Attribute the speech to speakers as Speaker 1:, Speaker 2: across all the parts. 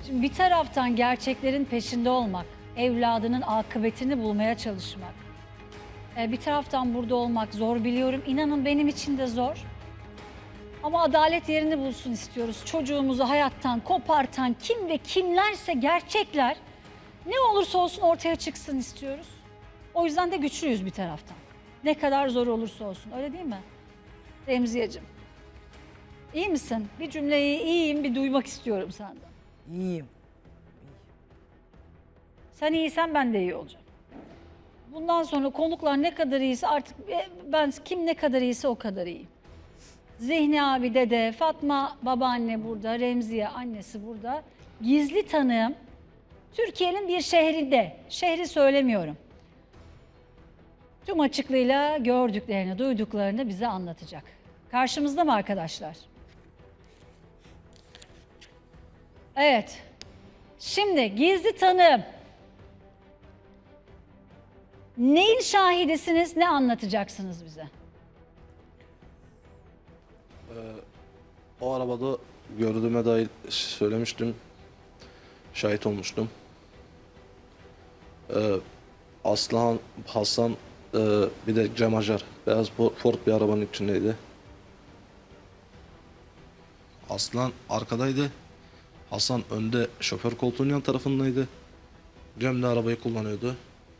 Speaker 1: Şimdi bir taraftan gerçeklerin peşinde olmak, evladının akıbetini bulmaya çalışmak. Bir taraftan burada olmak zor biliyorum. İnanın benim için de zor. Ama adalet yerini bulsun istiyoruz. Çocuğumuzu hayattan kopartan kim ve kimlerse gerçekler ne olursa olsun ortaya çıksın istiyoruz. O yüzden de güçlüyüz bir taraftan. Ne kadar zor olursa olsun, öyle değil mi? Remziyeciğim, iyi misin? Bir cümleyi iyiyim bir duymak istiyorum senden.
Speaker 2: İyiyim.
Speaker 1: Sen iyiysen ben de iyi olacağım. Bundan sonra konuklar ne kadar iyiyse artık ben kim ne kadar iyiyse o kadar iyi. Zihni abi, dede, Fatma babaanne burada, Remziye annesi burada. Gizli tanığım Türkiye'nin bir şehrinde, şehri söylemiyorum. Tüm açıklığıyla gördüklerini, duyduklarını bize anlatacak. Karşımızda mı arkadaşlar? Evet. Şimdi gizli tanığım. Neyin şahidisiniz, ne anlatacaksınız bize?
Speaker 3: O arabada gördüğüme dair söylemiştim. Şahit olmuştum. Aslıhan, Hasan, bir de Cem Acar. Beyaz Ford bir arabanın içindeydi. Aslan arkadaydı. Hasan önde şoför koltuğunun yan tarafındaydı. Cem de arabayı kullanıyordu.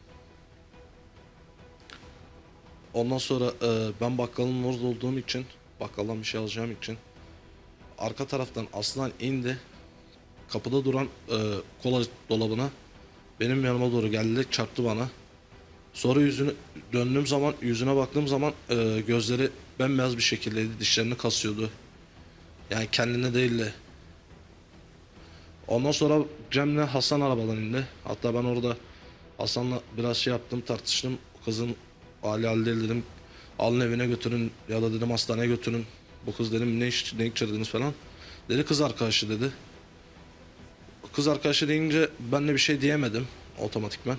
Speaker 3: Ondan sonra ben bakkalın orada olduğum için, bakkaldan bir şey alacağım için arka taraftan Aslan indi. Kapıda duran kola dolabına benim yanıma doğru geldi, çarptı bana. Sonra döndüğüm zaman, yüzüne baktığım zaman gözleri bembeyaz bir şekildeydi, dişlerini kasıyordu. Yani kendine değildi. Ondan sonra Cem'le Hasan arabadan indi. Hatta ben orada Hasan'la biraz şey yaptım, tartıştım. Kızın hali değil dedim. Alın evine götürün ya da dedim hastaneye götürün. Bu kız dedim ne içirdiniz falan. Dedi kız arkadaşı dedi. Kız arkadaşı deyince ben de bir şey diyemedim otomatikman.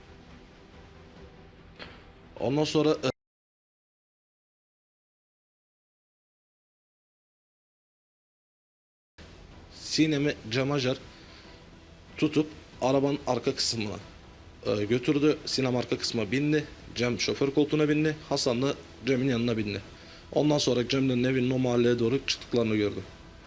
Speaker 3: Ondan sonra Sinem'i Cem Acar tutup arabanın arka kısmına götürdü. Sinem arka kısma bindi. Cem şoför koltuğuna bindi. Hasan da Cem'in yanına bindi. Ondan sonra Cem'den evinin o mahalleye doğru çıktıklarını gördüm.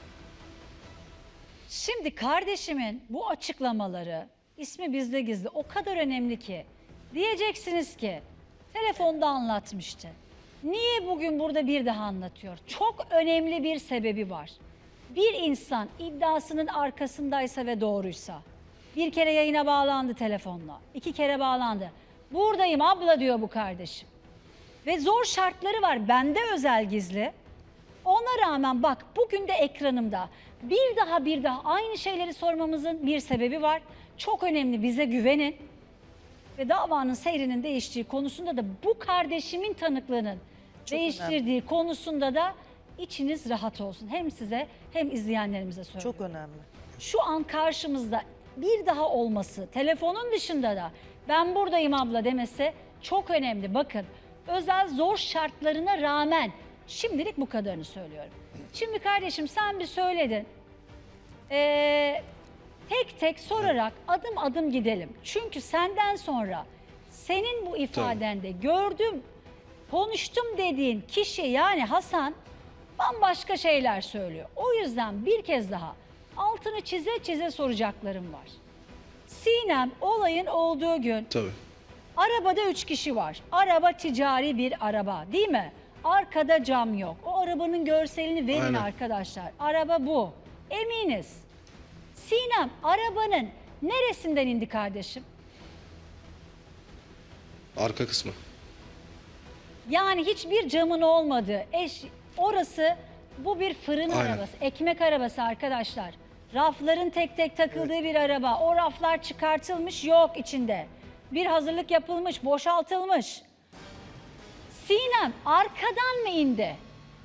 Speaker 1: Şimdi kardeşimin bu açıklamaları, ismi bizde gizli, o kadar önemli ki. Diyeceksiniz ki telefonda anlatmıştı. Niye bugün burada bir daha anlatıyor? Çok önemli bir sebebi var. Bir insan iddiasının arkasındaysa ve doğruysa, bir kere yayına bağlandı telefonla, 2 kere bağlandı. Buradayım abla diyor bu kardeşim. Ve zor şartları var, bende özel gizli. Ona rağmen bak bugün de ekranımda bir daha aynı şeyleri sormamızın bir sebebi var. Çok önemli, bize güvenin. Ve davanın seyrinin değiştiği konusunda da bu kardeşimin tanıklığının değiştirdiği konusunda da içiniz rahat olsun. Hem size hem izleyenlerimize söylüyorum.
Speaker 2: Çok önemli.
Speaker 1: Şu an karşımızda bir daha olması, telefonun dışında da ben buradayım abla demesi çok önemli. Bakın özel zor şartlarına rağmen şimdilik bu kadarını söylüyorum. Şimdi kardeşim sen bir söyledin. Tek tek sorarak adım adım gidelim. Çünkü senden sonra senin bu ifadende gördüm, konuştum dediğin kişi yani Hasan bambaşka şeyler söylüyor. O yüzden bir kez daha altını çize çize soracaklarım var. Sinem olayın olduğu gün
Speaker 3: Tabii.
Speaker 1: arabada 3 kişi var. Araba ticari bir araba değil mi? Arkada cam yok. O arabanın görselini verin
Speaker 3: Aynen.
Speaker 1: arkadaşlar. Araba bu. Eminiz. Sinem arabanın neresinden indi kardeşim?
Speaker 3: Arka kısmı.
Speaker 1: Yani hiçbir camın olmadığı. Orası bu bir fırın
Speaker 3: Aynen.
Speaker 1: arabası. Ekmek arabası arkadaşlar. Rafların tek tek takıldığı bir araba. O raflar çıkartılmış yok içinde. Bir hazırlık yapılmış, boşaltılmış. Sinem arkadan mı indi?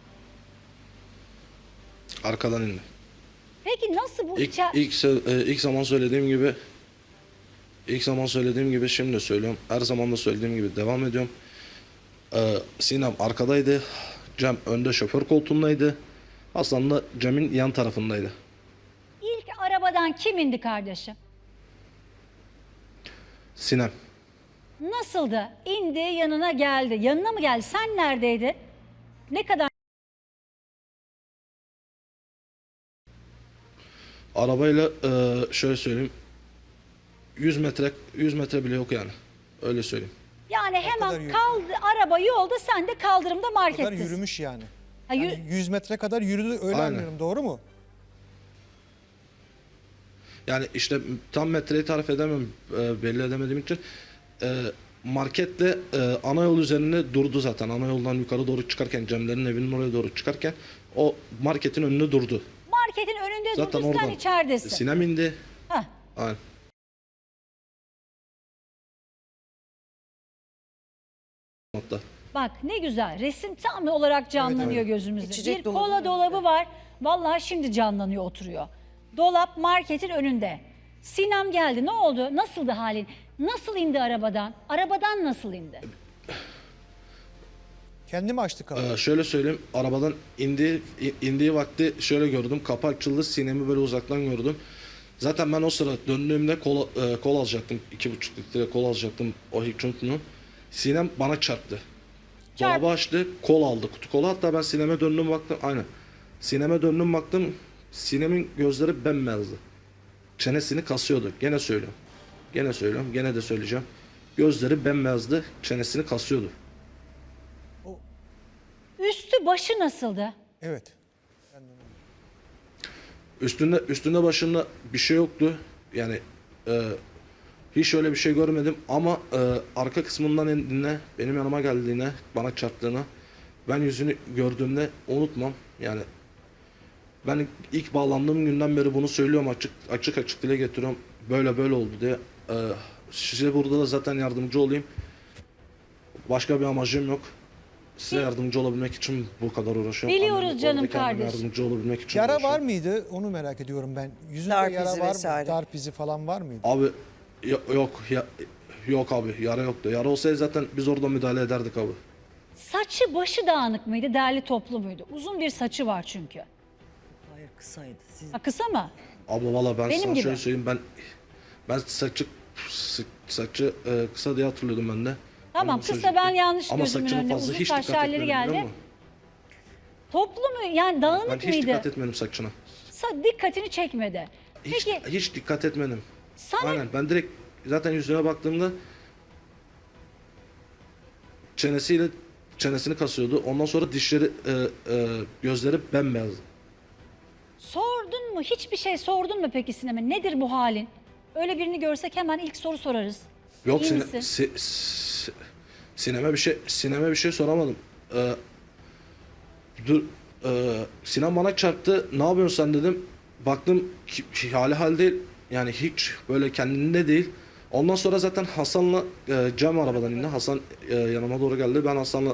Speaker 3: Arkadan indi.
Speaker 1: Peki nasıl bu
Speaker 3: İlk zaman söylediğim gibi şimdi de söylüyorum. Her zaman da söylediğim gibi devam ediyorum. Sinem arkadaydı. Cem önde şoför koltuğundaydı. Hasan da Cem'in yan tarafındaydı.
Speaker 1: İlk arabadan Arabadan kim indi kardeşim?
Speaker 3: Sinem.
Speaker 1: Nasıldı? İndi, yanına geldi. Yanına mı geldi? Sen neredeydin? Ne kadar?
Speaker 3: Arabayla şöyle söyleyeyim. 100 metre bile yok yani. Öyle söyleyeyim.
Speaker 1: Yani
Speaker 2: kadar
Speaker 1: hemen
Speaker 2: yürüdü?
Speaker 1: kaldı, araba yolda, sen de kaldırımda
Speaker 2: kadar
Speaker 1: markettesin.
Speaker 2: yürümüş yani.
Speaker 1: Ha, yürü-
Speaker 2: Yani 100 metre kadar yürüdü öyle
Speaker 3: Aynen.
Speaker 2: anlıyorum, doğru mu?
Speaker 3: Yani işte tam metreyi tarif edemem, belli edemediğim için. Marketle ana yol üzerinde durdu zaten. Ana yoldan yukarı doğru çıkarken, Cemlerin evinin oraya doğru çıkarken o marketin önünde durdu.
Speaker 1: Marketin önünde
Speaker 3: Zaten
Speaker 1: durdu, sen
Speaker 3: oradan
Speaker 1: içeridesin.
Speaker 3: Sinem indi.
Speaker 1: Hah.
Speaker 3: Aynen. Hatta.
Speaker 1: Bak ne güzel, resim tam olarak canlanıyor
Speaker 2: Evet,
Speaker 1: gözümüzde.
Speaker 4: İçecek
Speaker 1: Bir
Speaker 4: dolabının
Speaker 1: kola dolabı
Speaker 4: önünde.
Speaker 1: var. Vallahi şimdi canlanıyor, oturuyor. Dolap marketin önünde. Sinem geldi. Ne oldu? Nasıldı halin? Nasıl indi arabadan? Arabadan nasıl indi?
Speaker 2: Kendi mi açtı kapıyı?
Speaker 3: Şöyle söyleyeyim, arabadan indiği vakti şöyle gördüm, kapı açıldı, Sinem'i böyle uzaktan gördüm. Zaten ben o sıra döndüğümde kol alacaktım, 2,5 litre kol alacaktım, o hiç unutmuyorum. Sinem bana çarptı.
Speaker 1: Çarptı.
Speaker 3: Dolabı açtı, kol aldı, kutu kola. Hatta ben Sinem'e döndüm baktım, aynen. Sinem'e döndüm baktım, Sinem'in gözleri bembeyazdı. Çenesini kasıyordu, gene söylüyorum. Gene söylüyorum, gene de söyleyeceğim. Gözleri bembeyazdı, çenesini kasıyordu.
Speaker 1: Üstü başı nasıldı?
Speaker 2: Evet.
Speaker 3: Üstünde başında bir şey yoktu. Yani hiç öyle bir şey görmedim ama arka kısmından indiğine, benim yanıma geldiğine, bana çarptığına ben yüzünü gördüğümde unutmam. Yani ben ilk bağlandığım günden beri bunu söylüyorum, açık dile getiriyorum. Böyle oldu diye. Size burada da zaten yardımcı olayım. Başka bir amacım yok. Size yardımcı olabilmek için bu kadar uğraşıyorum.
Speaker 1: Biliyoruz
Speaker 3: Anneme,
Speaker 1: canım
Speaker 3: oradaki anneme
Speaker 1: kardeşim.
Speaker 3: Yardımcı olabilmek için
Speaker 2: Yara
Speaker 3: uğraşıyorum.
Speaker 2: var mıydı? Onu merak ediyorum ben. Yüzünde
Speaker 4: Darp
Speaker 2: yara
Speaker 4: izi
Speaker 2: var mı?
Speaker 4: vesaire.
Speaker 2: Darp izi falan var mıydı?
Speaker 3: Abi yok abi, yara yoktu. Yara olsaydı zaten biz orada müdahale ederdik abi.
Speaker 1: Saçı başı dağınık mıydı, derli toplu muydu? Uzun bir saçı var çünkü.
Speaker 4: Hayır, kısaydı. Siz
Speaker 1: Ha, kısa mı?
Speaker 3: Abla valla ben
Speaker 1: Benim
Speaker 3: sana
Speaker 1: gibi.
Speaker 3: şöyle söyleyeyim, ben saçı kısa diye hatırlıyordum ben de.
Speaker 1: Tamam,
Speaker 3: Onu
Speaker 1: kısa,
Speaker 3: söyleyecektim.
Speaker 1: ben yanlış
Speaker 3: Ama
Speaker 1: gözümün
Speaker 3: saçının
Speaker 1: önüne,
Speaker 3: fazla
Speaker 1: uzun
Speaker 3: hiç
Speaker 1: saçlı
Speaker 3: dikkat
Speaker 1: halleri
Speaker 3: etmedim, biliyor
Speaker 1: geldi.
Speaker 3: musun?
Speaker 1: Toplu mu? Yani
Speaker 3: Ben
Speaker 1: dağınık
Speaker 3: hiç
Speaker 1: mıydı?
Speaker 3: dikkat etmedim saçına.
Speaker 1: Dikkatini çekmedi. Peki
Speaker 3: Hiç dikkat etmedim.
Speaker 1: sana
Speaker 3: Aynen, ben direkt zaten yüzüne baktığımda çenesini kasıyordu. Ondan sonra dişleri, gözleri bembeyazdı.
Speaker 1: sordun mu? Hiçbir şey sordun mu peki Sinem'e? Nedir bu halin? Öyle birini görsek hemen ilk soru sorarız.
Speaker 3: Yok,
Speaker 1: İyi misin?
Speaker 3: Sinem'e bir şey soramadım. Dur, Sinem bana çarptı. Ne yapıyorsun sen dedim. Baktım hal değil. Yani hiç böyle kendinde değil. Ondan sonra zaten Hasan'la Cem arabadan indi. Hasan yanıma doğru geldi. Ben Hasan'la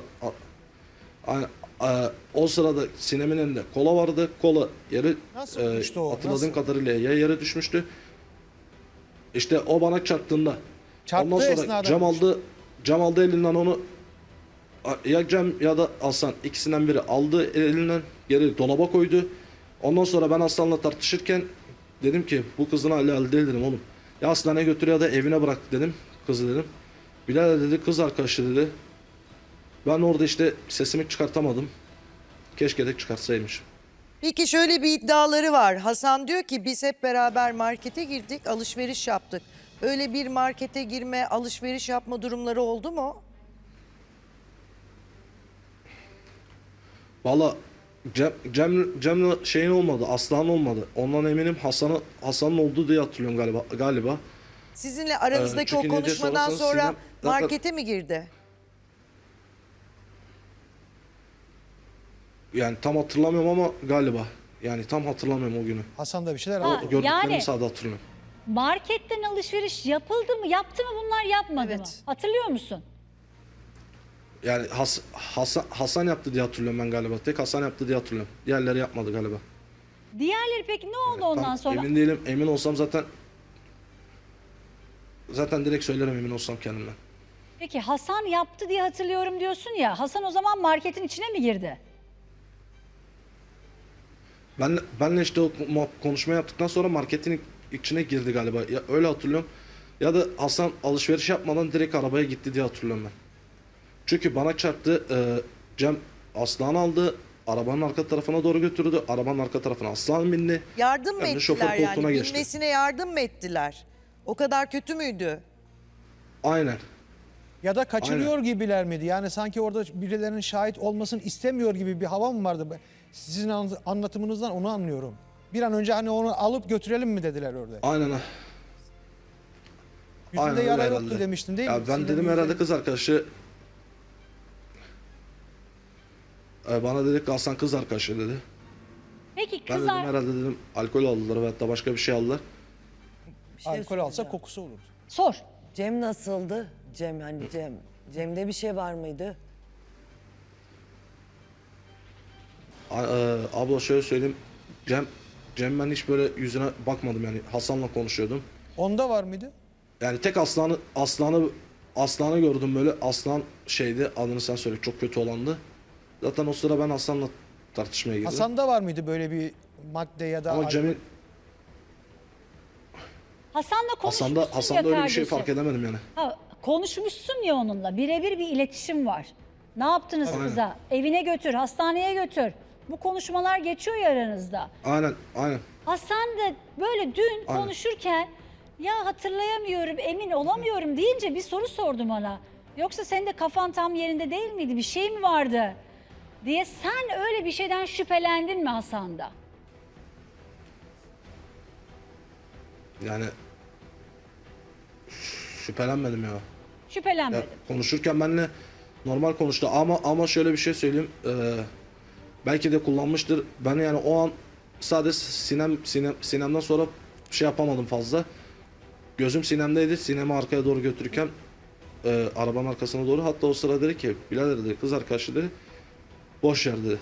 Speaker 3: o sırada Sinem'in elinde kola vardı. Kola yere
Speaker 2: Nasıl olmuştu o?
Speaker 3: hatırladığım
Speaker 2: Nasıl?
Speaker 3: kadarıyla ya yere düşmüştü. İşte o bana çarptığında
Speaker 2: Çarptığı
Speaker 3: ondan sonra
Speaker 2: esnada
Speaker 3: Cem aldı elinden onu, ya Cem ya da Hasan, ikisinden biri aldı elinden, geri dolaba koydu. Ondan sonra ben Hasan'la tartışırken dedim ki bu kızın hali değil dedim oğlum. Ya hastaneye götür ya da evine bırak dedim kızı dedim. Bilal dedi kız arkadaşı dedi. Ben orada işte sesimi çıkartamadım. Keşke de çıkartsaymış.
Speaker 4: Peki şöyle bir iddiaları var. Hasan diyor ki biz hep beraber markete girdik, alışveriş yaptık. Öyle bir markete girme, alışveriş yapma durumları oldu mu?
Speaker 3: Valla Cem'le şeyin olmadı, Aslan olmadı. Ondan eminim Hasan'ın olduğu diye hatırlıyorum galiba.
Speaker 4: Sizinle aranızdaki o
Speaker 3: çünkü ne diye
Speaker 4: konuşmadan
Speaker 3: sorarsanız
Speaker 4: sonra
Speaker 3: Sinem zaten-
Speaker 4: markete mi girdi?
Speaker 3: Yani tam hatırlamıyorum ama galiba. Yani tam hatırlamıyorum o günü.
Speaker 2: Hasan da bir şeyler
Speaker 1: Ha,
Speaker 2: aldı.
Speaker 3: Gördüklerimi
Speaker 1: yani-
Speaker 3: sadece hatırlıyorum.
Speaker 1: Marketten alışveriş yapıldı mı? Yaptı mı bunlar, yapmadı
Speaker 4: Evet.
Speaker 1: mı? Hatırlıyor musun?
Speaker 3: Yani Hasan yaptı diye hatırlıyorum ben galiba. Tek Hasan yaptı diye hatırlıyorum. Diğerleri yapmadı galiba.
Speaker 1: Diğerleri peki ne oldu ondan
Speaker 3: Tam
Speaker 1: sonra?
Speaker 3: emin değilim. Emin olsam zaten direkt söylerim emin olsam kendimden.
Speaker 1: Peki Hasan yaptı diye hatırlıyorum diyorsun ya. Hasan o zaman marketin içine mi girdi?
Speaker 3: Benle işte o konuşma yaptıktan sonra marketin içine girdi galiba. Ya öyle hatırlıyorum. Ya da Hasan alışveriş yapmadan direkt arabaya gitti diye hatırlıyorum ben. Çünkü bana çarptı. Cem Aslan aldı. Arabanın arka tarafına doğru götürdü. Arabanın arka tarafına Aslan bindi.
Speaker 4: Yardım mı
Speaker 3: Ben de şoför
Speaker 4: ettiler
Speaker 3: koltuğuna
Speaker 4: yani?
Speaker 3: geçtim.
Speaker 4: Binmesine yardım mı ettiler? O kadar kötü müydü?
Speaker 3: Aynen.
Speaker 2: Ya da kaçırıyor gibiler miydi? Yani sanki orada birilerinin şahit olmasını istemiyor gibi bir hava mı vardı? Sizin anlatımınızdan onu anlıyorum. Bir an önce hani onu alıp götürelim mi dediler orada.
Speaker 3: Aynen.
Speaker 2: Yüzünde
Speaker 3: öyle
Speaker 2: yara
Speaker 3: herhalde.
Speaker 2: yoktu demiştin değil mi?
Speaker 3: Ya ben
Speaker 2: Sinem'in
Speaker 3: dedim
Speaker 2: yüzünde-
Speaker 3: herhalde kız arkadaşı bana dedi ki Hasan kız arkadaşı dedi.
Speaker 1: Peki
Speaker 3: Ben dedim herhalde dedim alkol aldılar veyahut da başka bir şey aldılar.
Speaker 5: Bir şey
Speaker 2: Alkol alsa
Speaker 5: soracağım.
Speaker 2: kokusu olurdu.
Speaker 1: Sor.
Speaker 5: Cem nasıldı? Cem'de bir şey var mıydı?
Speaker 3: Abla şöyle söyleyeyim. Cem ben hiç böyle yüzüne bakmadım yani Hasan'la konuşuyordum.
Speaker 2: Onda var mıydı?
Speaker 3: Yani tek Aslan'ı gördüm böyle. Aslan şeydi adını sen söyle çok kötü olandı. Zaten o sıra ben Hasan'la tartışmaya girdim.
Speaker 2: Hasan'da var mıydı böyle bir madde ya da
Speaker 3: Ama
Speaker 2: alkol?
Speaker 3: Cem'in
Speaker 1: Hasan'la konuşmuşsun ya
Speaker 3: Hasan'da öyle bir şey
Speaker 1: kardeşim.
Speaker 3: fark edemedim yani.
Speaker 1: Ha, konuşmuşsun ya onunla. Birebir bir iletişim var. Ne yaptınız kıza? Evine götür, hastaneye götür. Bu konuşmalar geçiyor ya aranızda.
Speaker 3: Aynen.
Speaker 1: Hasan da böyle dün
Speaker 3: Aynen.
Speaker 1: konuşurken ya hatırlayamıyorum, emin olamıyorum deyince bir soru sordum ona. Yoksa senin de kafan tam yerinde değil miydi? Bir şey mi vardı? Diye sen öyle bir şeyden şüphelendin mi Hasan'da?
Speaker 3: Yani şüphelenmedim ya.
Speaker 1: Şüphelenmedim.
Speaker 3: Ya konuşurken benimle normal konuştu ama şöyle bir şey söyleyeyim. Belki de kullanmıştır. Ben yani o an sadece Sinem'den sonra şey yapamadım fazla. Gözüm Sinem'deydi. Sinem'i arkaya doğru götürürken arabanın arkasına doğru. Hatta o sıra dedi ki birader dedi kız arkadaşı dedi boş yer dedi.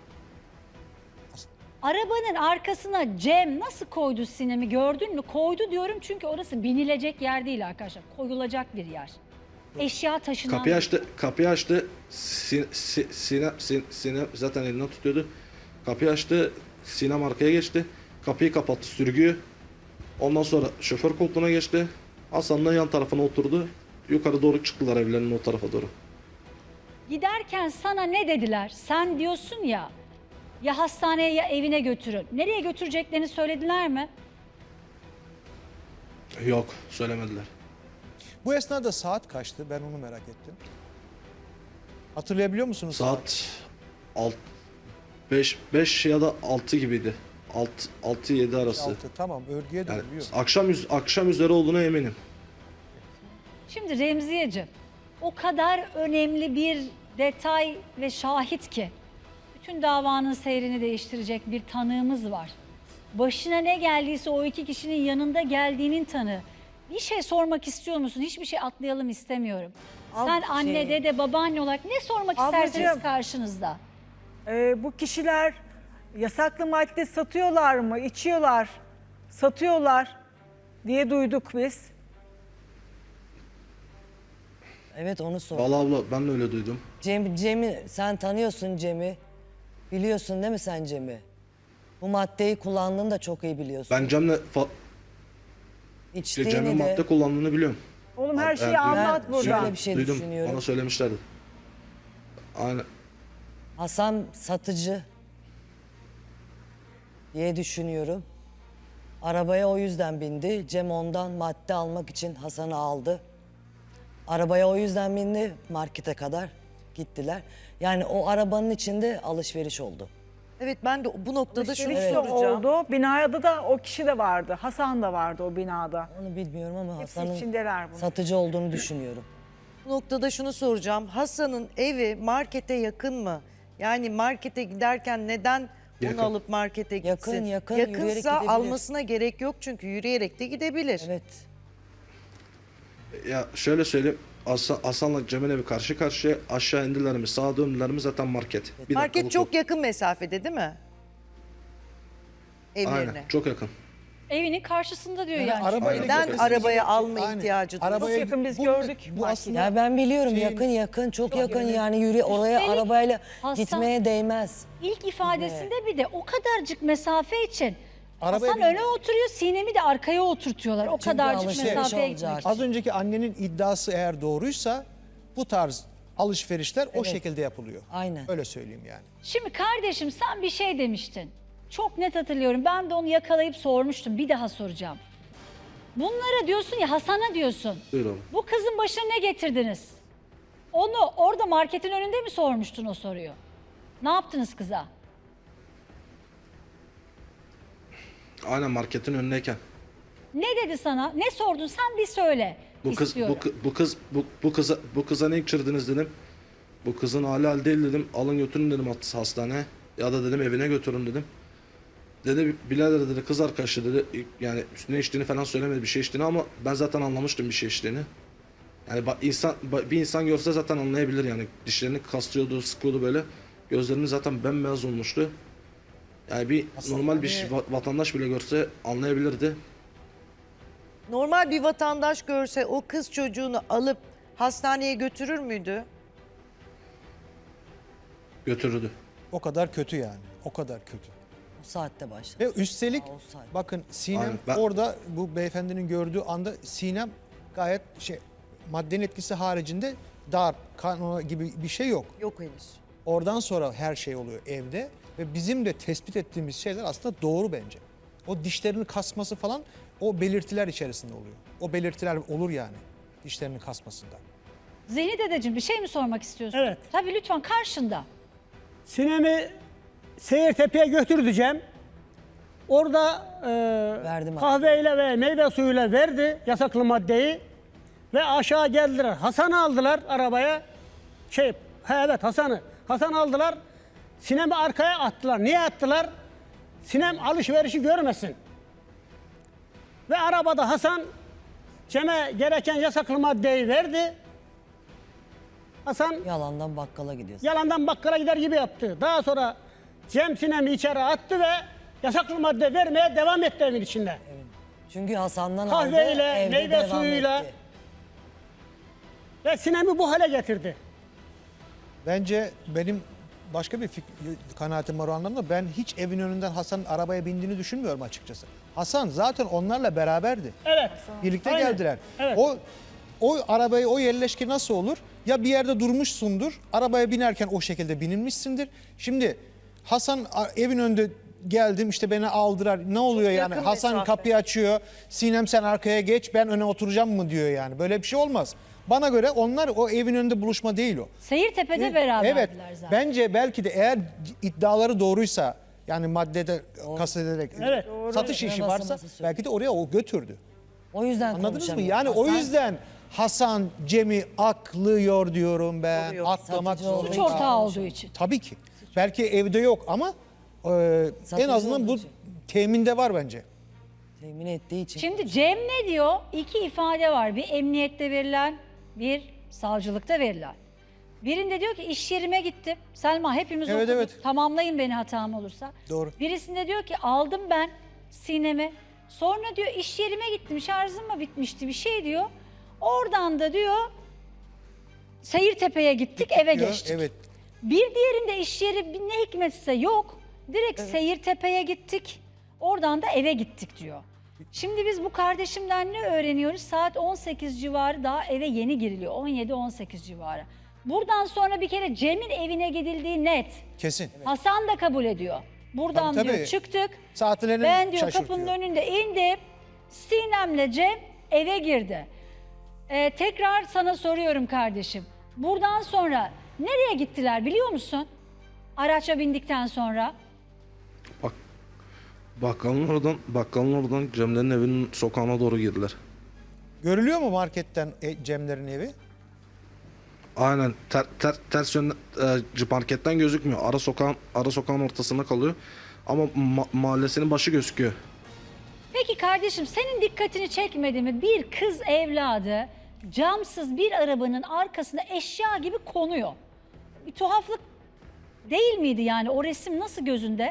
Speaker 1: Arabanın arkasına Cem nasıl koydu Sinem'i gördün mü? Koydu diyorum çünkü orası binilecek yer değil arkadaşlar. Koyulacak bir yer. Eşya taşınan...
Speaker 3: Kapıyı açtı. Sinem zaten elinden tutuyordu. Kapıyı açtı. Sinem arkaya geçti. Kapıyı kapattı sürgüyü. Ondan sonra şoför koltuğuna geçti. Hasan'la yan tarafına oturdu. Yukarı doğru çıktılar evlerinin o tarafa doğru.
Speaker 1: Giderken sana ne dediler? Sen diyorsun ya hastaneye ya evine götürün. Nereye götüreceklerini söylediler mi?
Speaker 3: Yok söylemediler.
Speaker 2: Bu esnada saat kaçtı? Ben onu merak ettim. Hatırlayabiliyor musunuz?
Speaker 3: Saat 5 ya da 6 gibiydi. 6-7 arası.
Speaker 2: 6. Tamam, örgüye
Speaker 3: Yani
Speaker 2: dönüyor.
Speaker 3: akşam üzeri olduğuna eminim.
Speaker 1: Şimdi Remziyeciğim o kadar önemli bir detay ve şahit ki bütün davanın seyrini değiştirecek bir tanığımız var. Başına ne geldiyse o iki kişinin yanında geldiğinin tanığı. Bir şey sormak istiyor musun? Hiçbir şey atlayalım istemiyorum. Sen anne, dede, babaanne olarak ne sormak
Speaker 6: Ablacığım.
Speaker 1: isterseniz karşınızda.
Speaker 6: Bu kişiler yasaklı madde satıyorlar mı, içiyorlar, satıyorlar diye duyduk biz.
Speaker 5: Evet onu sor.
Speaker 3: Vallahi abla ben de öyle duydum.
Speaker 5: Cem'i sen tanıyorsun Cem'i. Biliyorsun değil mi sen Cem'i? Bu maddeyi kullandığını da çok iyi biliyorsun.
Speaker 3: Ben Cem'le
Speaker 5: İçtiğini
Speaker 3: Cem'in
Speaker 5: de
Speaker 3: madde kullandığını biliyorum.
Speaker 6: Oğlum her şeyi
Speaker 3: Evet,
Speaker 6: anlat
Speaker 5: ben
Speaker 6: buradan.
Speaker 5: şöyle bir şey
Speaker 3: Duydum.
Speaker 5: düşünüyorum.
Speaker 3: Bana söylemişlerdi. Aynen.
Speaker 5: Hasan satıcı diye düşünüyorum. Arabaya o yüzden bindi. Cem ondan madde almak için Hasan'ı aldı. Arabaya o yüzden bindi. Markete kadar gittiler. Yani o arabanın içinde alışveriş oldu.
Speaker 4: Evet, ben de bu noktada şunu
Speaker 6: Alışveriş de
Speaker 4: soracağım.
Speaker 6: oldu. Binada da o kişi de vardı. Hasan da vardı o binada.
Speaker 5: Onu bilmiyorum ama
Speaker 6: Hepsi
Speaker 5: Hasan'ın
Speaker 6: içindeler bunun.
Speaker 5: satıcı olduğunu düşünüyorum.
Speaker 4: Bu noktada şunu soracağım. Hasan'ın evi markete yakın mı? Yani markete giderken neden
Speaker 3: Yakın.
Speaker 4: onu alıp markete gitsin?
Speaker 5: Yakın, yürüyerek
Speaker 4: Yakınsa
Speaker 5: gidebilir.
Speaker 4: almasına gerek yok çünkü yürüyerek de gidebilir.
Speaker 5: Evet.
Speaker 3: Ya şöyle söyleyeyim. Hasan'la Cem'in evi karşı karşıya aşağı indiler mi sağa döndüler mi zaten market. Bir
Speaker 4: Market
Speaker 3: dakikalık
Speaker 4: çok
Speaker 3: yol.
Speaker 4: yakın mesafede değil mi? Evlerine.
Speaker 3: Aynen çok yakın.
Speaker 1: Evinin karşısında diyor
Speaker 2: Yani
Speaker 1: yani.
Speaker 2: arabayla
Speaker 4: Neden
Speaker 2: gitmesi
Speaker 4: arabaya
Speaker 2: gerekiyor.
Speaker 4: alma
Speaker 2: Aynen.
Speaker 4: ihtiyacı duyuyor?
Speaker 2: Arabaya
Speaker 6: Çok yakın, biz
Speaker 2: bu-
Speaker 6: gördük
Speaker 2: Bu
Speaker 6: marketi.
Speaker 2: aslında
Speaker 5: Ya ben biliyorum
Speaker 2: Şeyin-
Speaker 5: yakın çok yakın yani yürü oraya
Speaker 1: Üstelik
Speaker 5: arabayla
Speaker 1: Hasan-
Speaker 5: gitmeye değmez.
Speaker 1: İlk ifadesinde bir de o kadarcık mesafe için
Speaker 2: Arabaya
Speaker 1: Hasan
Speaker 2: bin-
Speaker 1: öne oturuyor, Sinem'i de arkaya oturtuyorlar. O
Speaker 5: Çünkü
Speaker 1: kadarcık
Speaker 5: alışveriş
Speaker 1: mesafeye
Speaker 5: olacak.
Speaker 1: gitmek için.
Speaker 2: Az önceki annenin iddiası eğer doğruysa bu tarz alışverişler o şekilde yapılıyor.
Speaker 5: Aynen.
Speaker 2: Öyle söyleyeyim yani.
Speaker 1: Şimdi kardeşim sen bir şey demiştin. Çok net hatırlıyorum. Ben de onu yakalayıp sormuştum. Bir daha soracağım. Bunlara diyorsun ya, Hasan'a diyorsun.
Speaker 3: Buyurun.
Speaker 1: Bu kızın başına ne getirdiniz? Onu orada marketin önünde mi sormuştun o soruyu? Ne yaptınız kıza?
Speaker 3: Aynen marketin önündeyken.
Speaker 1: Ne dedi sana? Ne sordun? Sen bir söyle.
Speaker 3: Bu kız
Speaker 1: istiyorum.
Speaker 3: bu kıza ne içirdiniz dedim. Bu kızın hali değil dedim. Alın götürün dedim hastaneye. Ya da dedim evine götürün dedim. Dedi birader dedi kız arkadaşı dedi. Yani ne içtiğini falan söylemedi bir şey içtiğini ama ben zaten anlamıştım bir şey içtiğini. Yani bir insan görse zaten anlayabilir yani. Dişlerini kastırıyordu, sıkıyordu böyle. Gözlerimiz zaten bembeyaz olmuştu. Yani bir normal bir vatandaş bile görse anlayabilirdi.
Speaker 4: Normal bir vatandaş görse o kız çocuğunu alıp hastaneye götürür müydü?
Speaker 3: Götürürdü.
Speaker 2: O kadar kötü yani. O kadar kötü.
Speaker 5: O saatte başladı.
Speaker 2: Ve üstelik
Speaker 5: Olsaydı.
Speaker 2: bakın Sinem
Speaker 3: Aynen, ben-
Speaker 2: orada bu beyefendinin gördüğü anda Sinem gayet maddenin etkisi haricinde darp, kanama gibi bir şey yok.
Speaker 4: Yok henüz.
Speaker 2: Oradan sonra her şey oluyor evde ve bizim de tespit ettiğimiz şeyler aslında doğru bence. O dişlerini kasması falan o belirtiler içerisinde oluyor. O belirtiler olur yani dişlerini kasmasında.
Speaker 1: Zihni dedeciğim bir şey mi sormak istiyorsun?
Speaker 7: Evet.
Speaker 1: Tabii lütfen, karşında.
Speaker 7: Sinem'i Seyirtepe'ye götüreceğim. Orada
Speaker 5: Verdim
Speaker 7: kahveyle ve meyve suyuyla verdi yasaklı maddeyi. Ve aşağı geldiler. Hasan'ı aldılar arabaya. Evet Hasan'ı. Hasan aldılar. Sinem'i arkaya attılar. Niye attılar? Sinem alışverişi görmesin. Ve arabada Hasan Cem'e gereken yasaklı maddeyi verdi. Hasan
Speaker 5: Yalandan bakkala gidiyorsun.
Speaker 7: yalandan bakkala gider gibi yaptı. Daha sonra Cem Sinem'i içeri attı ve yasaklı madde vermeye devam etti evin içinde.
Speaker 5: Çünkü Hasan'dan aldı,
Speaker 7: Kahveyle,
Speaker 5: evde
Speaker 7: meyve
Speaker 5: devam
Speaker 7: suyuyla.
Speaker 5: etti.
Speaker 7: Ve Sinem'i bu hale getirdi.
Speaker 2: Bence benim başka bir kanaatim var o anlamda. Ben hiç evin önünden Hasan'ın arabaya bindiğini düşünmüyorum açıkçası. Hasan zaten onlarla beraberdi.
Speaker 7: Evet.
Speaker 2: Birlikte
Speaker 7: Aynen.
Speaker 2: geldiler.
Speaker 7: Evet.
Speaker 2: O arabayı, o yerleşke nasıl olur? Ya bir yerde durmuşsundur, arabaya binerken o şekilde binilmişsindir. Şimdi Hasan evin önünde geldim işte beni aldılar. Ne oluyor yani?
Speaker 4: yakın
Speaker 2: Hasan
Speaker 4: mesafe.
Speaker 2: kapıyı açıyor. Sinem sen arkaya geç, ben öne oturacağım mı diyor yani. Böyle bir şey olmaz. Bana göre onlar o evin önünde buluşma değil o.
Speaker 1: Seyirtepe'de beraberdiler
Speaker 2: Evet.
Speaker 1: zaten.
Speaker 2: Bence belki de eğer iddiaları doğruysa yani maddede kastederek
Speaker 7: Evet.
Speaker 2: satış işi
Speaker 5: Nasıl
Speaker 2: varsa
Speaker 5: söylüyor.
Speaker 2: belki de oraya o götürdü.
Speaker 5: O yüzden
Speaker 2: Anladınız mı?
Speaker 5: konuşamıyor.
Speaker 2: Yani o
Speaker 5: Hasan
Speaker 2: yüzden Hasan Cem'i aklıyor diyorum ben.
Speaker 4: Oluyor.
Speaker 2: Aklamak
Speaker 5: Satıcı olduğu
Speaker 1: Suç
Speaker 2: zorunda.
Speaker 1: ortağı olduğu için.
Speaker 2: Tabii ki. Belki evde yok ama en
Speaker 5: Satıcı
Speaker 2: azından bu
Speaker 5: olduğu için.
Speaker 2: teminde var bence.
Speaker 5: temin ettiği için.
Speaker 1: Şimdi Cem ne diyor? İki ifade var. Bir emniyette verilen, bir savcılıkta verilen. Birinde diyor ki iş yerime gittim. Selma hepimiz
Speaker 2: Evet,
Speaker 1: okuduk.
Speaker 2: evet.
Speaker 1: Tamamlayın beni hatam olursa.
Speaker 2: Doğru.
Speaker 1: Birisinde diyor ki aldım ben Sinem'i. Sonra diyor iş yerime gittim. Şarjım mı bitmişti bir şey diyor. Oradan da diyor Seyirtepe'ye gittik eve
Speaker 2: Diyor,
Speaker 1: geçtik.
Speaker 2: Evet.
Speaker 1: Bir diğerinde iş yeri ne hikmetse yok. Direkt Seyirtepe'ye gittik. Oradan da eve gittik diyor. Şimdi biz bu kardeşimden ne öğreniyoruz? Saat 18 civarı daha eve yeni giriliyor. 17-18 civarı. Buradan sonra bir kere Cem'in evine gidildiği net.
Speaker 2: Kesin.
Speaker 1: Hasan da kabul ediyor. Buradan
Speaker 2: Tabii,
Speaker 1: diyor
Speaker 2: tabii.
Speaker 1: çıktık.
Speaker 2: Saatlerini
Speaker 1: Ben diyor
Speaker 2: şaşırtıyor.
Speaker 1: kapının önünde indim. Sinem'le Cem eve girdi. Tekrar sana soruyorum kardeşim. Buradan sonra nereye gittiler biliyor musun? Araça bindikten sonra.
Speaker 3: Bak bakkalın oradan Cemlerin evinin sokağına doğru girdiler.
Speaker 2: Görülüyor mu marketten Cemlerin evi?
Speaker 3: Aynen ters yönden marketten gözükmüyor. Ara sokağın ortasında kalıyor. Ama mahallesinin başı gözüküyor.
Speaker 1: Peki kardeşim senin dikkatini çekmedi mi? Bir kız evladı camsız bir arabanın arkasında eşya gibi konuyor. Bir tuhaflık değil miydi yani? O resim nasıl gözünde?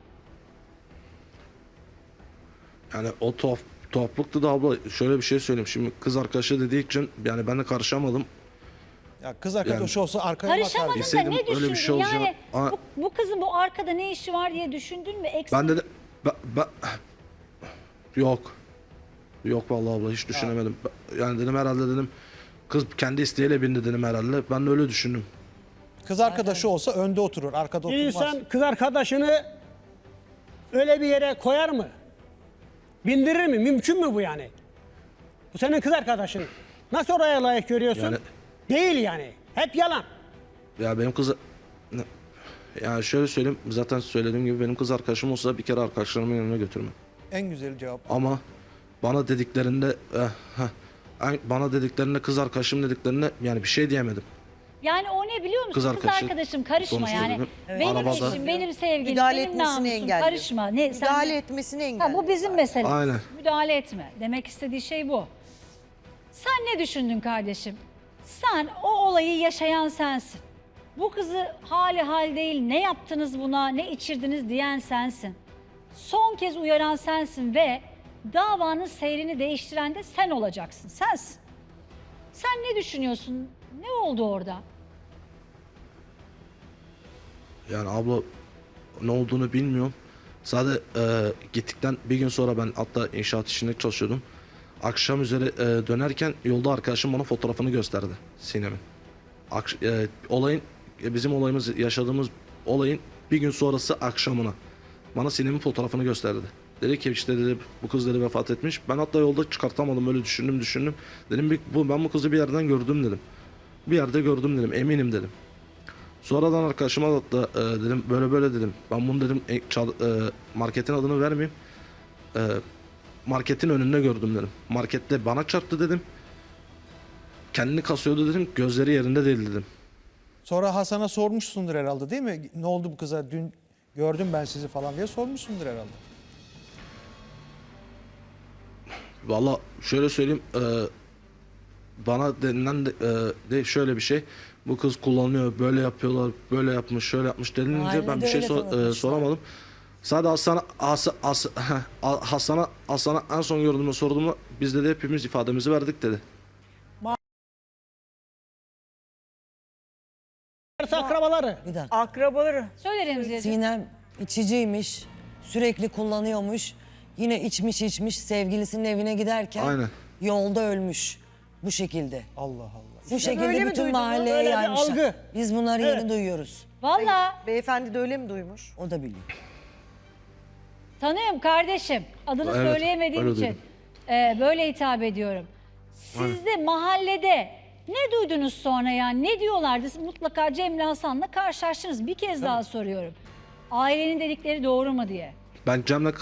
Speaker 3: Yani o tuhaflıktı da abla şöyle bir şey söyleyeyim. Şimdi kız arkadaşı dediği için yani ben de karışamadım.
Speaker 2: Ya kız arkadaşı olsa arkaya bakar.
Speaker 1: Karışamadın da
Speaker 3: Bilseydim
Speaker 1: ne
Speaker 3: öyle bir
Speaker 1: düşündün?
Speaker 3: şey olacağını-
Speaker 1: Yani
Speaker 3: Aa.
Speaker 1: bu kızın bu arkada ne işi var diye düşündün mü? Eksik.
Speaker 3: Ben de Yok. Yok vallahi abla hiç düşünemedim. Yani dedim herhalde dedim kız kendi isteğiyle bindi dedim herhalde. Ben de öyle düşündüm.
Speaker 2: Kız arkadaşı olsa önde oturur, arkada
Speaker 7: Bir
Speaker 2: oturmaz.
Speaker 7: insan kız arkadaşını öyle bir yere koyar mı? Bindirir mi? Mümkün mü bu yani? Bu senin kız arkadaşın. Nasıl oraya layık görüyorsun?
Speaker 3: Yani-
Speaker 7: Değil yani. Hep yalan.
Speaker 3: Ya benim kız... Yani şöyle söyleyeyim, zaten söylediğim gibi benim kız arkadaşım olsa bir kere arkadaşlarımın yanına götürmem.
Speaker 2: En güzel cevap.
Speaker 3: Ama bana dediklerinde bana dediklerinde kız arkadaşım dediklerinde yani bir şey diyemedim.
Speaker 1: Yani o ne biliyor musun?
Speaker 3: Kız
Speaker 1: Kız,
Speaker 3: arkadaşı
Speaker 1: arkadaşım karışma
Speaker 3: sonuçta
Speaker 1: yani.
Speaker 3: dedim.
Speaker 1: Benim
Speaker 3: Arabada-
Speaker 1: eşim, benim sevgilim,
Speaker 4: Müdahale
Speaker 1: benim
Speaker 4: etmesini
Speaker 1: namusum
Speaker 4: engelliyor.
Speaker 1: karışma. Ne, sen
Speaker 4: Müdahale etmesini engelliyor.
Speaker 1: bu bizim meselemiz.
Speaker 3: Aynen.
Speaker 1: Müdahale etme. Demek istediği şey bu. Sen ne düşündün kardeşim? Sen o olayı yaşayan sensin. Bu kızı hali hal değil, ne yaptınız buna, ne içirdiniz diyen sensin. Son kez uyaran sensin ve davanın seyrini değiştiren de sen olacaksın, sensin. Sen ne düşünüyorsun? Ne oldu orada?
Speaker 3: Yani abla ne olduğunu bilmiyorum. Sadece gittikten bir gün sonra ben hatta inşaat işinde çalışıyordum. Akşam üzeri dönerken yolda arkadaşım bana fotoğrafını gösterdi Sinem'in. Olayın bizim olayımız yaşadığımız olayın bir gün sonrası akşamına bana Sinem'in fotoğrafını gösterdi. Dedi ki işte dedi bu kız dedi vefat etmiş. Ben hatta yolda çıkartamadım böyle düşündüm. Dedim ben bu kızı bir yerden gördüm dedim. Bir yerde gördüm dedim eminim dedim. Sonradan arkadaşıma da dedim böyle dedim. Ben bunu dedim marketin adını vermeyeyim. Marketin önünde gördüm dedim. Markette bana çarptı dedim. Kendini kasıyordu dedim. Gözleri yerinde değil dedim.
Speaker 2: Sonra Hasan'a sormuşsundur herhalde değil mi? Ne oldu bu kıza? Dün gördüm ben sizi falan diye sormuşsundur herhalde.
Speaker 3: Valla şöyle söyleyeyim. Bana denilen de şöyle bir şey. Bu kız kullanıyor, böyle yapıyorlar, böyle yapmış, şöyle yapmış denilince ben
Speaker 5: Mahallede
Speaker 3: bir şey
Speaker 5: öyle tanıtmışlar.
Speaker 3: soramadım. Sadece Hasan'a en son gördüğümde sorduğumda biz dedi hepimiz ifademizi verdik dedi.
Speaker 7: Akrabaları.
Speaker 5: Bir dakika.
Speaker 6: Akrabaları.
Speaker 1: Söyle Remziye'ciğim.
Speaker 5: Sinem içiciymiş, sürekli kullanıyormuş. Yine içmiş sevgilisinin evine giderken
Speaker 3: Aynen.
Speaker 5: yolda ölmüş. Bu şekilde.
Speaker 2: Allah Allah.
Speaker 5: Bu şekilde
Speaker 6: öyle mi
Speaker 5: bütün
Speaker 6: duydunuz?
Speaker 5: mahalleye
Speaker 7: Öyle bir
Speaker 5: yaymışlar.
Speaker 7: algı.
Speaker 5: Biz bunları
Speaker 7: Evet.
Speaker 5: yeni duyuyoruz.
Speaker 1: Valla
Speaker 4: Beyefendi de öyle mi duymuş?
Speaker 5: O da biliyor.
Speaker 1: tanıyorum kardeşim. Adını
Speaker 3: Evet,
Speaker 1: söyleyemediğim
Speaker 3: öyle
Speaker 1: için
Speaker 3: duydum.
Speaker 1: böyle hitap ediyorum. Siz de mahallede ne duydunuz sonra yani? Ne diyorlardı? Siz mutlaka Cemre Hasan'la karşılaştınız. Bir kez daha soruyorum. Ailenin dedikleri doğru mu diye.
Speaker 3: Ben Cem'le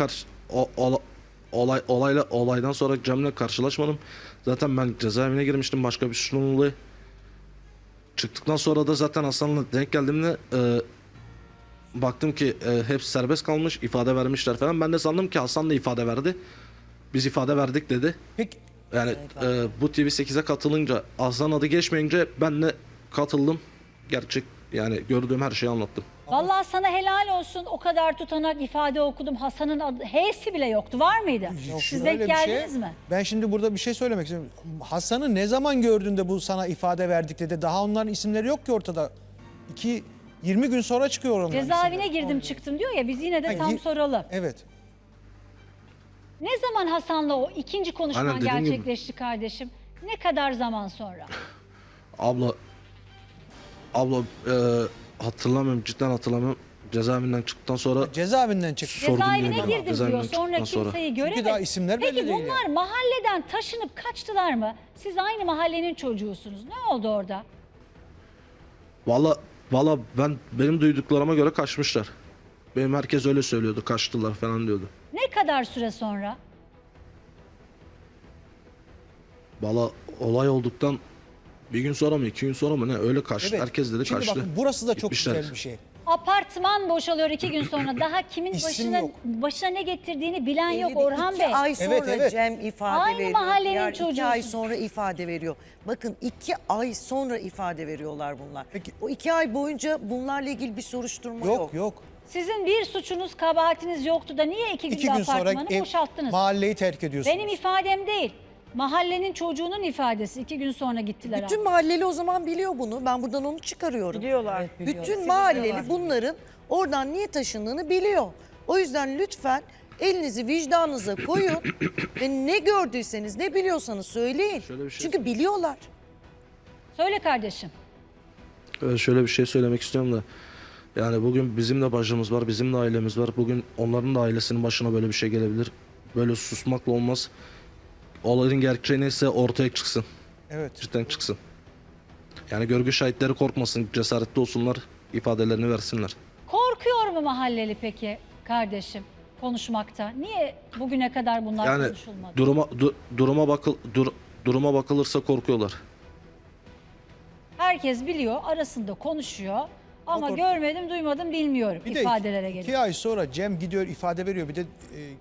Speaker 3: olaydan sonra Cem'le karşılaşmadım. Zaten ben cezaevine girmiştim başka bir suçlunun dolayı. Çıktıktan sonra da zaten Hasan'la denk geldiğimde baktım ki hepsi serbest kalmış, ifade vermişler falan. Ben de sandım ki Hasan da ifade verdi. Biz ifade verdik dedi.
Speaker 2: Peki
Speaker 3: Yani bu TV8'e katılınca Hasan adı geçmeyince ben de katıldım. Gerçek yani gördüğüm her şeyi anlattım.
Speaker 1: Vallahi sana helal olsun. O kadar tutanak ifade okudum. Hasan'ın adı, H'si bile yoktu. Var mıydı? Siz
Speaker 2: şöyle
Speaker 1: denk
Speaker 2: bir
Speaker 1: geldiniz mi?
Speaker 2: Ben şimdi burada bir şey söylemek istiyorum. Hasan'ı ne zaman gördüğünde bu sana ifade verdik dedi. Daha onların isimleri yok ki ortada. 20 gün sonra çıkıyor onların
Speaker 1: Cezaevine
Speaker 2: isimleri.
Speaker 1: girdim çıktım diyor ya, biz yine de
Speaker 2: Ha,
Speaker 1: tam soralım.
Speaker 2: Evet.
Speaker 1: Ne zaman Hasan'la o ikinci konuşman
Speaker 3: Aynen dediğim gibi.
Speaker 1: gerçekleşti kardeşim? Ne kadar zaman sonra?
Speaker 3: Abla hatırlamıyorum, cidden hatırlamıyorum. Cezaevinden çıktıktan sonra
Speaker 2: Cezaevinden çıktı.
Speaker 3: Sordum
Speaker 1: Cezaevine
Speaker 3: yani.
Speaker 1: girdim
Speaker 3: Cezaevinden
Speaker 1: diyor. Sonra
Speaker 3: çıktıktan
Speaker 1: kimseyi göremedi.
Speaker 2: daha isimler belli
Speaker 1: Peki
Speaker 2: değil
Speaker 1: bunlar
Speaker 2: yani.
Speaker 1: mahalleden taşınıp kaçtılar mı? Siz aynı mahallenin çocuğusunuz. Ne oldu orada?
Speaker 3: Valla benim duyduklarıma göre kaçmışlar. Benim herkes öyle söylüyordu, kaçtılar falan diyordu.
Speaker 1: Ne kadar süre sonra?
Speaker 3: Valla olay olduktan bir gün sonra mı, 2 gün sonra mı ne öyle kaçtı.
Speaker 2: Evet.
Speaker 3: Herkes dedi
Speaker 2: Şimdi
Speaker 3: kaçtı.
Speaker 2: bakın burası da çok
Speaker 3: Gitmişler.
Speaker 2: güzel bir şey.
Speaker 1: Apartman boşalıyor 2 gün sonra. Daha kimin
Speaker 2: İsim yok.
Speaker 1: başına ne getirdiğini bilen yok
Speaker 4: Belli değil.
Speaker 1: Orhan
Speaker 4: 2
Speaker 1: Bey.
Speaker 4: ay sonra
Speaker 2: Evet, evet.
Speaker 4: Cem ifade
Speaker 1: Aynı
Speaker 4: veriyor.
Speaker 1: mahallenin
Speaker 4: Diğer 2 ay
Speaker 1: çocuğusun.
Speaker 4: sonra ifade veriyor. Bakın 2 ay sonra ifade veriyorlar bunlar.
Speaker 2: Peki.
Speaker 4: O 2 ay boyunca bunlarla ilgili bir soruşturma yok.
Speaker 2: Yok.
Speaker 1: Sizin bir suçunuz, kabahatiniz yoktu da niye 2
Speaker 2: 2
Speaker 1: günde
Speaker 2: gün sonra
Speaker 1: apartmanı boşalttınız?
Speaker 2: mahalleyi terk ediyorsunuz.
Speaker 1: Benim ifadem değil. Mahallenin çocuğunun ifadesi. 2 gün sonra gittiler.
Speaker 4: Bütün mahalleli o zaman biliyor bunu. Ben buradan onu çıkarıyorum.
Speaker 6: Biliyorlar.
Speaker 4: Bütün mahalleli bunların oradan niye taşındığını biliyor. O yüzden lütfen Elinizi vicdanınıza koyun ve ne gördüyseniz, ne biliyorsanız söyleyin.
Speaker 3: Şöyle bir şey
Speaker 4: Çünkü biliyorlar.
Speaker 1: Söyle kardeşim.
Speaker 3: Şöyle bir şey söylemek istiyorum da. Yani bugün bizim de bacımız var, bizim de ailemiz var. Bugün onların da ailesinin başına böyle bir şey gelebilir. Böyle susmakla olmaz. Olayın gerçeği neyse ortaya çıksın.
Speaker 2: Evet.
Speaker 3: Cidden çıksın. Yani görgü şahitleri korkmasın, cesaretli olsunlar, ifadelerini versinler.
Speaker 1: Korkuyor mu mahalleli peki kardeşim konuşmakta? Niye bugüne kadar bunlar
Speaker 3: Yani
Speaker 1: konuşulmadı?
Speaker 3: duruma bakılırsa korkuyorlar.
Speaker 1: Herkes biliyor, arasında konuşuyor ama
Speaker 2: Kork-
Speaker 1: görmedim, duymadım, bilmiyorum
Speaker 2: Bir de
Speaker 1: ifadelere
Speaker 2: iki
Speaker 1: geliyor.
Speaker 2: ay sonra Cem gidiyor ifade veriyor. Bir de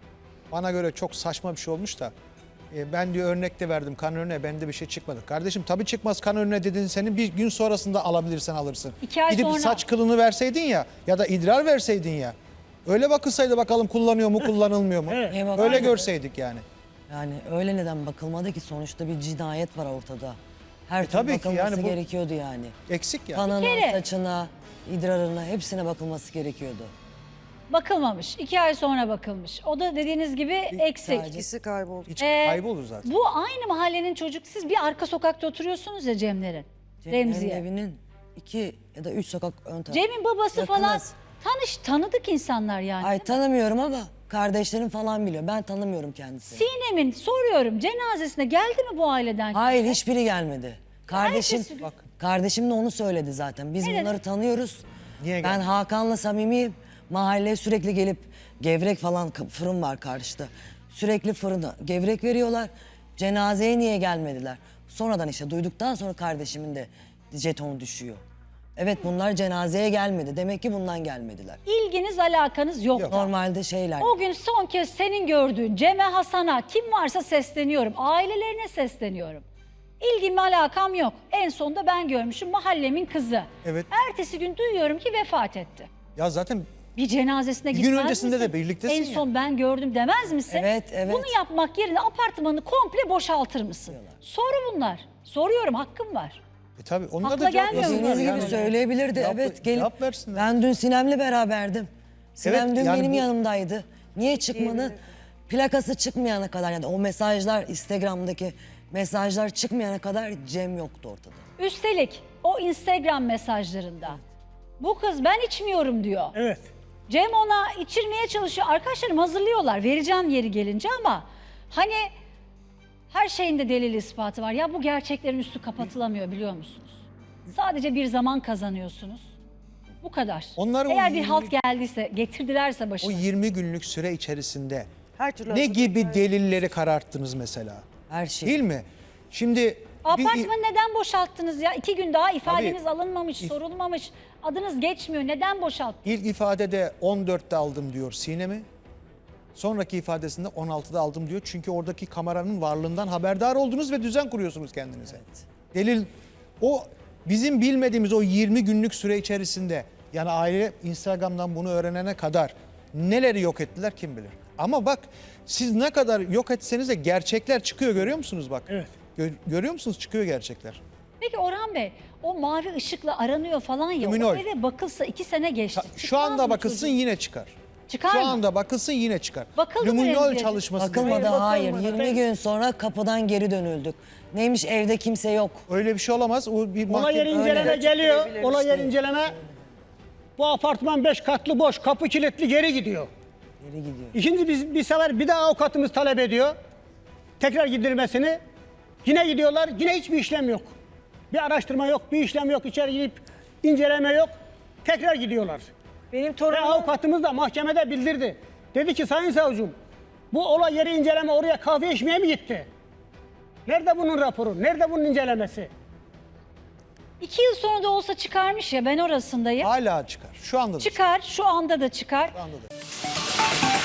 Speaker 2: bana göre çok saçma bir şey olmuş da. Ben diyor örnek de verdim kan önüne, bende bir şey çıkmadı. Kardeşim tabii çıkmaz kan önüne dedin, senin bir gün sonrasında alabilirsen alırsın.
Speaker 1: 2 ay
Speaker 2: Gidip
Speaker 1: sonra.
Speaker 2: saç kılını verseydin ya da idrar verseydin ya. Öyle bakılsaydı bakalım kullanıyor mu kullanılmıyor mu?
Speaker 7: Evet.
Speaker 5: Eyvah.
Speaker 2: Öyle
Speaker 5: Aynen.
Speaker 2: görseydik yani.
Speaker 5: Yani öyle neden bakılmadı ki, sonuçta bir cinayet var ortada. Her türlü
Speaker 2: tabii ki
Speaker 5: bakılması
Speaker 2: yani bu-
Speaker 5: gerekiyordu yani.
Speaker 2: Eksik ya.
Speaker 5: Kanına,
Speaker 1: Bir kere-
Speaker 5: saçına, idrarına hepsine bakılması gerekiyordu.
Speaker 1: Bakılmamış. 2 ay sonra bakılmış. O da dediğiniz gibi eksik.
Speaker 4: İkisi kayboldu.
Speaker 2: Hiç kaybolur zaten.
Speaker 1: Bu aynı mahallenin çocuk. Siz bir arka sokakta oturuyorsunuz ya Cemlerin.
Speaker 5: Cem'in
Speaker 1: Remziye.
Speaker 5: evinin 2 ya da 3 sokak ön tarafı.
Speaker 1: Cem'in babası
Speaker 5: Yakınız.
Speaker 1: falan tanıdık insanlar yani.
Speaker 5: Ay tanımıyorum ama kardeşlerim falan biliyor. Ben tanımıyorum kendisini.
Speaker 1: Sinem'in soruyorum cenazesine geldi mi bu aileden?
Speaker 5: Hayır, hiçbiri gelmedi. Kardeşim,
Speaker 1: Herkes-
Speaker 2: Bak.
Speaker 5: kardeşim de onu söyledi zaten. Biz
Speaker 1: Ne
Speaker 5: bunları
Speaker 1: dedi?
Speaker 5: tanıyoruz.
Speaker 2: Niye
Speaker 5: Ben
Speaker 2: geldi?
Speaker 5: Hakan'la samimiyim. Mahalleye sürekli gelip gevrek falan, fırın var karşıda. Sürekli fırına gevrek veriyorlar. Cenazeye niye gelmediler? Sonradan işte duyduktan sonra kardeşimin de jetonu düşüyor. Evet, bunlar cenazeye gelmedi. Demek ki bundan gelmediler.
Speaker 1: İlginiz alakanız yok.
Speaker 5: Normalde şeyler.
Speaker 1: O gün son kez senin gördüğün Cem'e, Hasan'a, kim varsa sesleniyorum. Ailelerine sesleniyorum. İlgim alakam yok. En sonunda ben görmüşüm, mahallemin kızı.
Speaker 2: Evet.
Speaker 1: Ertesi gün duyuyorum ki vefat etti.
Speaker 2: Ya zaten
Speaker 1: Bir cenazesine
Speaker 2: Bir gün
Speaker 1: gitmez
Speaker 2: öncesinde
Speaker 1: misin?
Speaker 2: de birliktesin
Speaker 1: En
Speaker 2: ya.
Speaker 1: son ben gördüm demez misin?
Speaker 5: Evet, evet.
Speaker 1: Bunu yapmak yerine apartmanı komple boşaltır mısın? Soru bunlar. Soruyorum, hakkım var.
Speaker 2: tabii onlar
Speaker 1: Akla
Speaker 2: da cevap
Speaker 1: gelmiyor mu?
Speaker 2: versinler
Speaker 5: Dediğiniz
Speaker 2: yani.
Speaker 5: gibi söyleyebilirdi.
Speaker 2: Cevap-
Speaker 5: Evet, gelip
Speaker 2: cevap versinler.
Speaker 5: ben dün Sinem'le beraberdim. Sinem
Speaker 2: Evet,
Speaker 5: dün
Speaker 2: yani
Speaker 5: benim
Speaker 2: bu-
Speaker 5: yanımdaydı. Niye çıkmadı? Plakası çıkmayana kadar, yani o mesajlar, Instagram'daki mesajlar çıkmayana kadar Cem yoktu ortada.
Speaker 1: Üstelik o Instagram mesajlarında bu kız ben içmiyorum diyor.
Speaker 7: Evet.
Speaker 1: Cem ona içirmeye çalışıyor. Arkadaşlarım hazırlıyorlar. Vereceğim yeri gelince ama hani her şeyin de delil ispatı var. Ya bu gerçeklerin üstü kapatılamıyor biliyor musunuz? Sadece bir zaman kazanıyorsunuz. Bu kadar.
Speaker 2: Onlar o
Speaker 1: Eğer bir
Speaker 2: 20
Speaker 1: halt geldiyse, getirdilerse
Speaker 2: O
Speaker 1: başına.
Speaker 2: 20 günlük süre içerisinde
Speaker 4: Her türlü
Speaker 2: ne
Speaker 4: hazırlık
Speaker 2: gibi delilleri kararttınız mesela?
Speaker 5: Her şey.
Speaker 2: Değil mi? Şimdi
Speaker 1: Apartmanı neden boşalttınız ya? 2 gün daha ifadeniz
Speaker 2: Tabii.
Speaker 1: alınmamış, sorulmamış. Adınız geçmiyor. Neden boşalttınız?
Speaker 2: ilk ifadede 14'te aldım diyor Sinem'i. Sonraki ifadesinde 16'da aldım diyor. Çünkü oradaki kameranın varlığından haberdar oldunuz ve düzen kuruyorsunuz kendinize. Delil o bizim bilmediğimiz o 20 günlük süre içerisinde, yani aile Instagram'dan bunu öğrenene kadar neleri yok ettiler kim bilir. Ama bak siz ne kadar yok etseniz de gerçekler çıkıyor, görüyor musunuz bak?
Speaker 7: Evet.
Speaker 2: Görüyor musunuz, çıkıyor gerçekler.
Speaker 1: Peki Orhan Bey, o mavi ışıkla aranıyor falan ya.
Speaker 2: Luminol.
Speaker 1: O eve bakılsa 2 sene geçti.
Speaker 2: Şu
Speaker 1: Çıkmaz
Speaker 2: anda
Speaker 1: mı
Speaker 2: bakılsın
Speaker 1: çocuk?
Speaker 2: yine çıkar.
Speaker 1: Çıkar
Speaker 2: Şu
Speaker 1: mı?
Speaker 2: anda bakılsın yine çıkar.
Speaker 1: Bakıldı mı
Speaker 2: Luminol
Speaker 1: Remziye'de?
Speaker 2: çalışması.
Speaker 5: Bakılmadı,
Speaker 2: dedi.
Speaker 5: hayır.
Speaker 7: bakılmadı.
Speaker 5: 20 gün sonra kapıdan geri dönüldük. Neymiş, evde kimse yok.
Speaker 2: Öyle bir şey olamaz. O bir
Speaker 7: Olay yeri
Speaker 2: mahkeme...
Speaker 7: inceleme
Speaker 4: Öyle.
Speaker 7: geliyor.
Speaker 4: Açıklayabilir
Speaker 7: Olay
Speaker 4: işte.
Speaker 7: yeri inceleme. Bu apartman 5 katlı boş. Kapı kilitli, geri gidiyor.
Speaker 5: Geri gidiyor.
Speaker 7: İkinci bir sefer bir daha avukatımız talep ediyor. Tekrar gidilmesini. Yine gidiyorlar. Yine hiçbir işlem yok. Bir araştırma yok, bir işlem yok. İçeri girip inceleme yok. Tekrar gidiyorlar.
Speaker 6: Benim
Speaker 7: Ve
Speaker 6: torunum
Speaker 7: avukatımız da mahkemede bildirdi. Dedi ki sayın savcım, bu olay yeri inceleme oraya kahve içmeye mi gitti? Nerede bunun raporu? Nerede bunun incelemesi?
Speaker 1: 2 yıl sonra da olsa çıkarmış ya, ben orasındayım.
Speaker 2: Hala çıkar. Şu anda da
Speaker 1: Çıkar, şu anda da çıkar.
Speaker 2: Şu anda da.